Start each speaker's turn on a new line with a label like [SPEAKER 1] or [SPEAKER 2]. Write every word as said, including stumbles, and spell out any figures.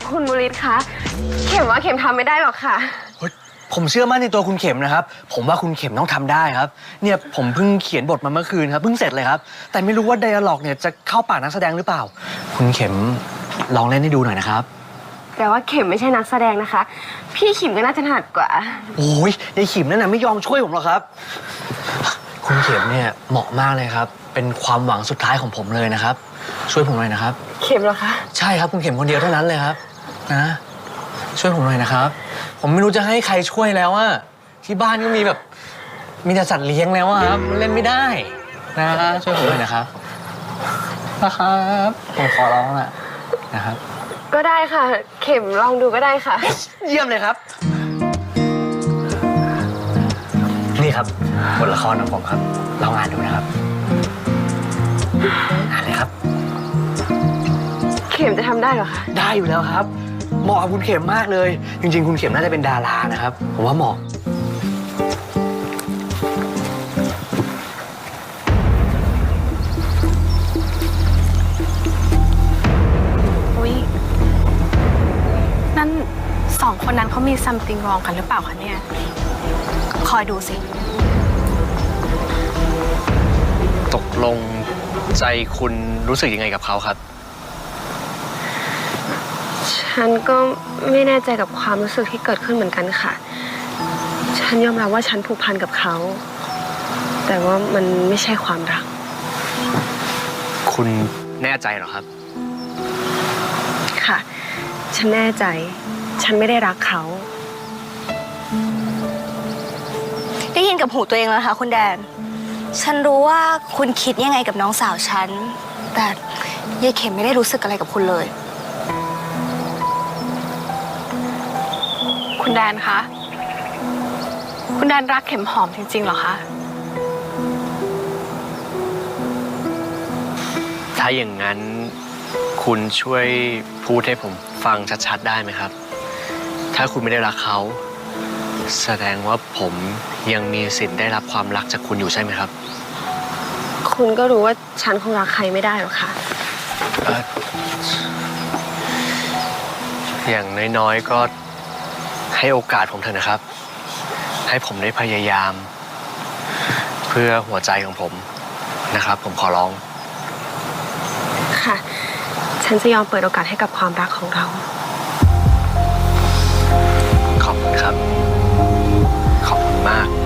[SPEAKER 1] คุณบุริศคะเข็มว่าเข็มทำไม่ได้หรอกค่ะ
[SPEAKER 2] ผมเชื่อมั่นในตัวคุณเข็มนะครับผมว่าคุณเข็มต้องทำได้ครับเนี่ยผมเพิ่งเขียนบทมาเมื่อคืนครับเพิ่งเสร็จเลยครับแต่ไม่รู้ว่าไดอะล็อกเนี่ยจะเข้าปากนักแสดงหรือเปล่าคุณเข็มลองเล่นให้ดูหน่อยนะครับ
[SPEAKER 1] แต่ว่าเข็มไม่ใช่นักแสดงนะคะพี่ขิมก็น่าจะถนัดกว่า
[SPEAKER 2] โอ้ยยายขิมนั่นน่ะไม่ยอมช่วยผมหรอกครับคุณเข็มเนี่ยเหมาะมากเลยครับเป็นความหวังสุดท้ายของผมเลยนะครับช่วยผมหน่อยนะครับ
[SPEAKER 1] เข็มเหรอคะ
[SPEAKER 2] ใช่ครับคุณเข็มคนเดียวเท่านั้นเลยครับนะช่วยผมหน่อยนะครับผมไม่รู้จะให้ใครช่วยแล้วอะที่บ้านก็มีแบบมีแต่สัตว์เลี้ยงแล้วอะครับเล่นไม่ได้นะช่วยผมหน่อยนะครับนะครับผมขอร้องอะนะครับ
[SPEAKER 1] ก็ได้ค่ะเข็มลองดูก็ได้ค่ะ
[SPEAKER 2] เยี่ยมเลยครับนี่ครับบทละครของผมครับลองอ่านดูนะครับอ่านเลยครับ
[SPEAKER 1] เข็มจะทำได้เหรอคะ
[SPEAKER 2] ได้อยู่แล้วครับเหมาะกับคุณเข็มมากเลยจริงๆคุณเข็มน่าจะเป็นดารานะครับผมว่าเหมาะ
[SPEAKER 3] อุ๊ยนั่นสองคนนั้นเขามี something wrong กันหรือเปล่าคะเนี่ยคอยดูสิ
[SPEAKER 2] ตกลงใจคุณรู้สึกยังไงกับเขาครับ
[SPEAKER 1] ฉันก็ไม่แน่ใจกับความรู้สึกที่เกิดขึ้นเหมือนกันค่ะฉันยอมรับว่าฉันผูกพันกับเขาแต่ว่ามันไม่ใช่ความรัก
[SPEAKER 2] คุณแน่ใจเหรอครับ
[SPEAKER 1] ค่ะฉันแน่ใจฉันไม่ได้รักเขา
[SPEAKER 4] ได้ยินกับหูตัวเองแล้วค่ะคุณแดนฉันรู้ว่าคุณคิดยังไงกับน้องสาวฉันแต่ยายเข็มไม่ได้รู้สึกอะไรกับคุณเลย
[SPEAKER 3] คุณแดนคะคุณแดนรักเข็มหอมจริงๆเหรอคะ
[SPEAKER 2] ถ้าอย่างนั้นคุณช่วยพูดให้ผมฟังชัดๆได้ไหมครับถ้าคุณไม่ได้รักเขาแสดงว่าผมยังมีสิทธิ์ได้รับความรักจากคุณอยู่ใช่ไหมครับ
[SPEAKER 1] คุณก็รู้ว่าฉันคงรักใครไม่ได้หรอกค่ะ
[SPEAKER 2] อย่างน้อยๆก็ให้โอกาสผมเถอะนะครับให้ผมได้พยายามเพื่อหัวใจของผมนะครับผมขอร้อง
[SPEAKER 1] ค่ะฉันจะยอมเปิดโอกาสให้กับความรักของเรา
[SPEAKER 2] ขอบคุณครับขอบคุณมาก